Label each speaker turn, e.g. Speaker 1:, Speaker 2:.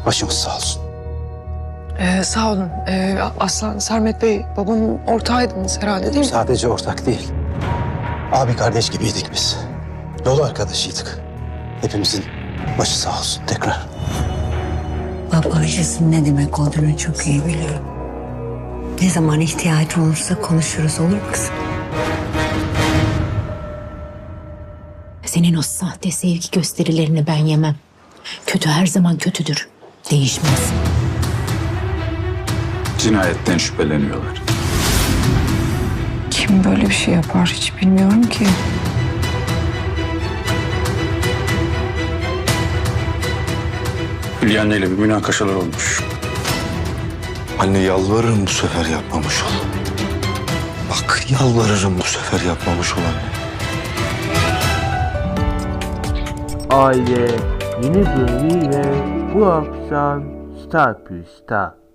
Speaker 1: Başımız sağ olsun.
Speaker 2: Sağ olun. Aslan, Sermet Bey, babamın ortağıydınız herhalde değil mi?
Speaker 1: Sadece ortak değil. Abi kardeş gibiydik biz. Yol arkadaşıydık. Hepimizin başı sağ olsun tekrar.
Speaker 3: Baba acısının ne demek olduğunu çok iyi biliyorum. Ne zaman ihtiyaç olursa konuşuruz, olur mu kızım?
Speaker 4: Senin o sahte sevgi gösterilerini ben yemem. Kötü her zaman kötüdür. Değişmez.
Speaker 5: Cinayetten şüpheleniyorlar.
Speaker 2: Kim böyle bir şey yapar hiç bilmiyorum ki.
Speaker 5: Hülya anneyle bir münakaşalar olmuş.
Speaker 6: Anne yalvarırım bu sefer yapmamış ol. Bak yalvarırım bu sefer yapmamış ol anne.
Speaker 7: Aile yeni bölümüyle bu akşam Star Plus'ta.